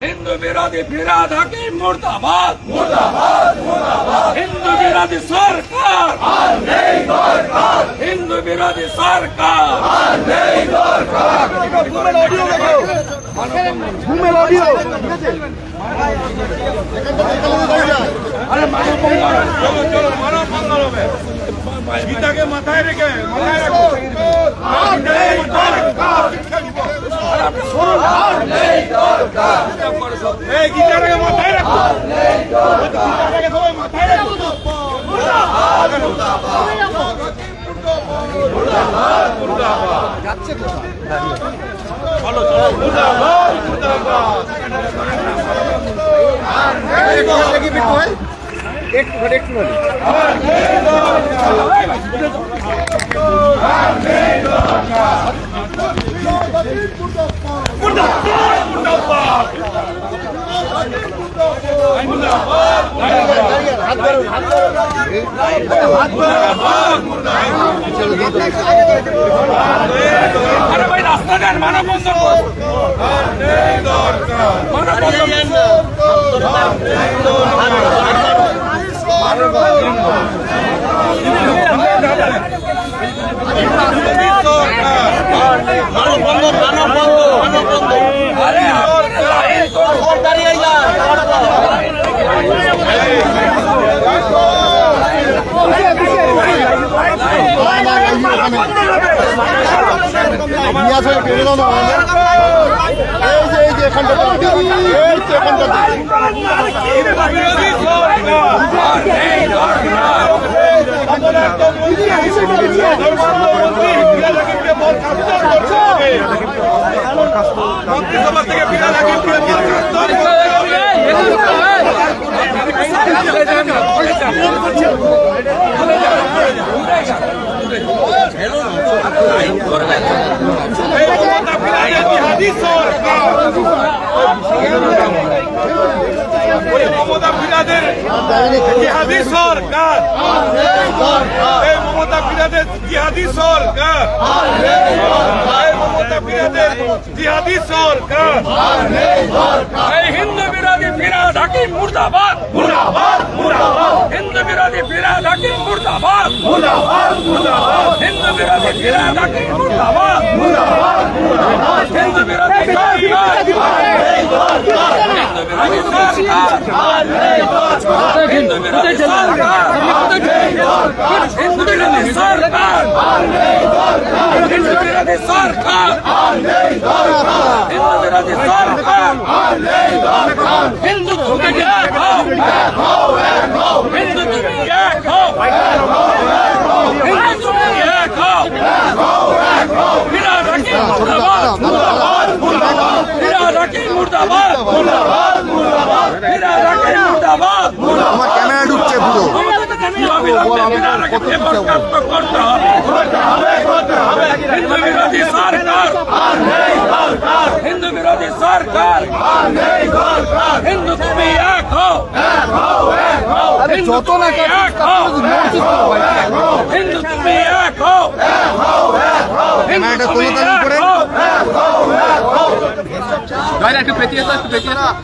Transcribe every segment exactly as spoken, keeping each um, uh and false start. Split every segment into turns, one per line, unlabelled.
हिंदू विरोधी फिराद हकीम मुर्दाबाद मुर्दाबाद मुर्दाबाद हिंदू विरोधी सरकार हिंदू विरोधी सरकार अरे गीता के माथाয় রেখে মাথায় রাখো এই গীতাটাকে মাথায় রাখো গীতাটাকে সবাই মাথায় রাখো মুর্দাবাদ মুর্দাবাদ মুর্দাবাদ যাচ্ছে কোথায় চলো চলো মুর্দাবাদ মুর্দাবাদ আর কি বিটু ভাই একটু ঘরে একটু ঘরে আর নেই দরকার আর নেই দরকার মুর্দাবাদ মুর্দাবাদ আই মুর্দাবাদ হাত ধরো হাত ধরো হাত ধরো আরে ভাই রাস্তা দেন মানব বন্ধ করো আর নেই দরকার মানব বন্ধ মন্ত্রিসভা থেকে বিরাট মমতা ফিরাদের জিহাদি সরকার এই মমতা ফিরাদের জিহাদি সরকার এই মমতা ফিরাদের জিহাদি সরকার এই হিন্দু বিরোধী ফিরাদ হাকিম মুর্দাবাদ মুর্দাবাদ মুর্দাবাদ হিন্দু বিরোধী ফিরাদ হাকিম মুর্দাবাদ মুর্দাবাদ মুর্দাবাদ হিন্দু বিরোধী ফিরাদ হাকিম মুর্দাবাদ মুর্দাবাদ মুর্দাবাদ হিন্দু বিরোধী সরকার হিন্দু বিরোধী সরকার হিন্দু বিরোধী সরকার হিন্দু বিরোধী সরকার হিন্দু বিরোধী সরকার হিন্দু তুমি এক হও হিন্দু তুমি এক হও হিন্দু তুমি এক হও ফিরাদ হাকিম মুর্দাবাদ মুর্দাবাদ মুর্দাবাদ ফিরাদ হাকিম মুর্দাবাদ মুর্দাবাদ মুর্দাবাদ ফিরাদ হাকিম মুর্দাবাদ
আমার ক্যামেরা ঢুকছে পুরো
হিন্দু বিরোধী সরকার হিন্দু বিরোধী সরকার হিন্দু তুমি এক হও
যত না
হিন্দু তুমি এক হও
ক্যামেরাটা তোলো তার উপরে
গাইরা একটু পেটিয়ে দাও একটু পেটিয়ে দাও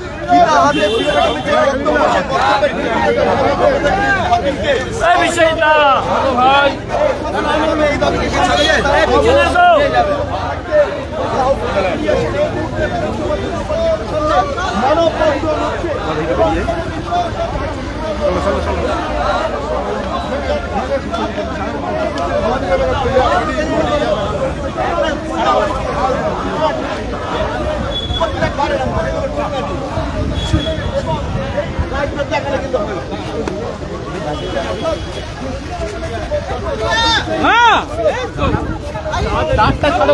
এই বিষয়টা ভাই পিছনে যাও হ্যাঁ চলো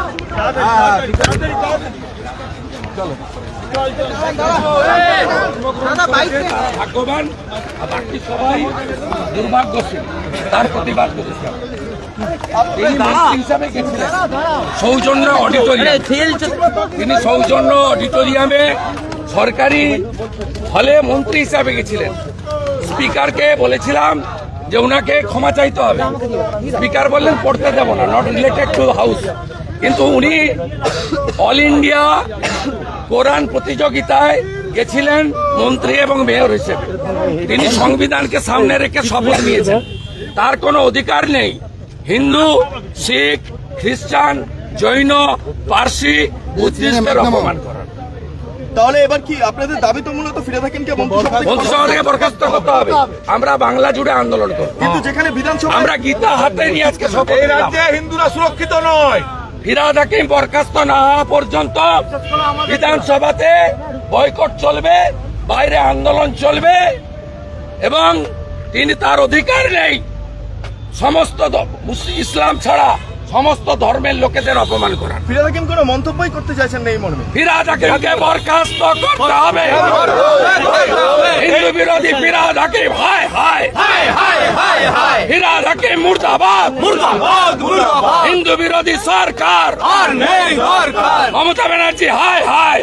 ভাগ্যবান বাকি সবাই দুর্ভাগ্যশীল তার প্রতিবাদ করেছে হিসাবে গেছিলেন সৌজন্য অডিটোরিয়াম তিনি সৌজন্য অডিটোরিয়ামে সরকারি হলে মন্ত্রী হিসাবে গেছিলেন। স্পিকারকে বলেছিলাম যে ওনাকে ক্ষমা চাইতে হবে, স্পিকার বললেন পড়তে দেব না, নট রিলেটেড টু হাউস। কিন্তু উনি অল ইন্ডিয়া কোরআন প্রতিযোগিতায় গেছিলেন মন্ত্রী এবং মেয়র হিসেবে। তিনি সংবিধানকে সামনে রেখে শপথ নিয়েছেন। তার কোনো অধিকার নেই হিন্দু, শিখ, খ্রিস্টান, জৈন, পার্সি, বুদ্ধিস্টদের অপমান করার।
তাহলে এবার কি আপনাদের দাবি তো মূলত ফিরে থাকেন কে মন্ত্রিসভা থেকে?
মন্ত্রিসভা থেকে বরখাস্ত করতে হবে। আমরা বাংলা জুড়ে আন্দোলন করব।
কিন্তু যেখানে বিধানসভা
আমরা গীতা হাতে নিয়ে আজকে শপথ নিলাম।
হিন্দুরা সুরক্ষিত নয়।
ফিরহাদ হাকিম বরখাস্ত না হওয়া পর্যন্ত বিধানসভাতে বয়কট চলবে, বাইরে আন্দোলন চলবে এবং তিনি তার অধিকার নেই সমস্ত দ- মুস- ইসলাম ছাড়া সমস্ত ধর্মের লোকেদের অপমান করার।
ফিরে থাকেন কোনো মন্তব্যই করতে চাইছেন না এই মর্মে?
ফিরহাদ হাকিমকে বরখাস্ত করতে হবে। হিন্দু বিরোধী ফিরহাদ হাকিম হায় হায় ফিরহাদ হাকিম মুর্দাবাদ হিন্দু বিরোধী সরকার মমতা ব্যানার্জি হায় হায়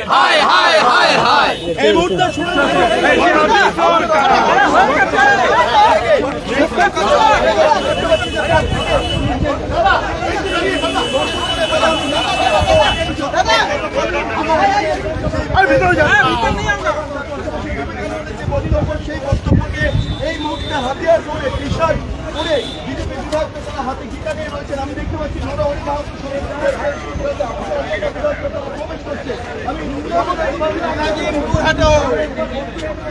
এই মুহূর্তে শুনে সেই বক্তব্যকে এই মুহূর্তে হাতিয়ার করে টি শার্ট পরে বিজেপি বিধায়ক তারা হাতে গীতা নিয়ে রয়েছেন। আমি দেখতে পাচ্ছি নরহরি মাহাতো প্রবেশ করছে। আমি